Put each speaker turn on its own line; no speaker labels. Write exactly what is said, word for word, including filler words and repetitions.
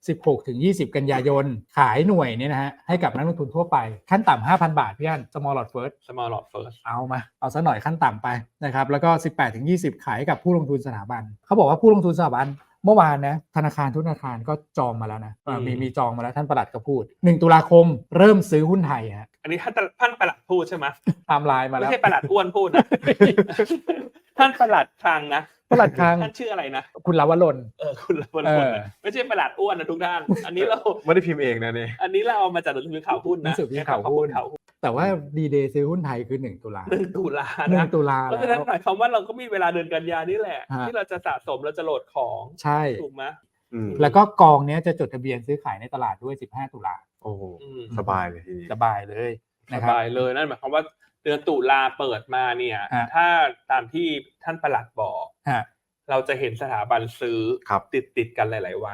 สิบหกถึงยี่สิบ กันยายนขายหน่วยเนี่ยนะฮะให้กับนักลงทุนทั่วไปขั้นต่ำ ห้าพัน บาทพี่อั้น Small Lot First
Small Lot First
เอามาเอาซะหน่อยขั้นต่ำไปนะครับแล้วก็ สิบแปดถึงยี่สิบ ขายกับผู้ลงทุนสถาบันเขาบอกว่าผู้ลงทุนสถาบันเมื่อวานนะธนาคารทุกธนาคารก็จองมาแล้วนะมีมีจองมาแล้วท่านปลัดก็พูดหนึ่งตุลาคมเริ่มซื้อหุ้นไทยฮะ
อันนี้ท่านท่านปลัดพูดใช่ไหม
ไทม์ไลน์มาแล้ว
ไม่ใช่ปลัดอ้วนพูดนะ ท่านปลัดคลังนะ
ปลัดคลัง
ท่านชื่ออะไรนะ
คุณลวรน
เออคุณลวรนไม่ใช่ปลัดอ้วนนะทุกท่านอันนี้เรา
ไม่ได้พิมพ์เองนะเนี่ย
อันนี้เราเอามาจากหนังสือข่าวหุ้นนะ
หนังสือข่าวหุ้นแต่ว่าดีเดย์ซื้อหุ้นไทยคือหนึ่งตุลา
หนึ่งตุลา
หนึ่งตุลา
เพราะฉะนั้นหมายความว่าเราก็มีเวลาเดือนกันยานี่แหละที่เราจะสะสมเราจะโหลดของ
ใช่
ถูกไหม
แล้วก็กองนี้จะจดทะเบียนซื้อขายในตลาดด้วยสิบห้าตุลา
โอ้โหสบายเลยทีนี้
สบายเลย
สบายเลยนั่นหมายความว่าเดือนตุลาเปิดมาเนี่ยถ้าตามที่ท่านปลัดบอกเราจะเห็นสถาบันซื้อติดติดกันหลายๆวัน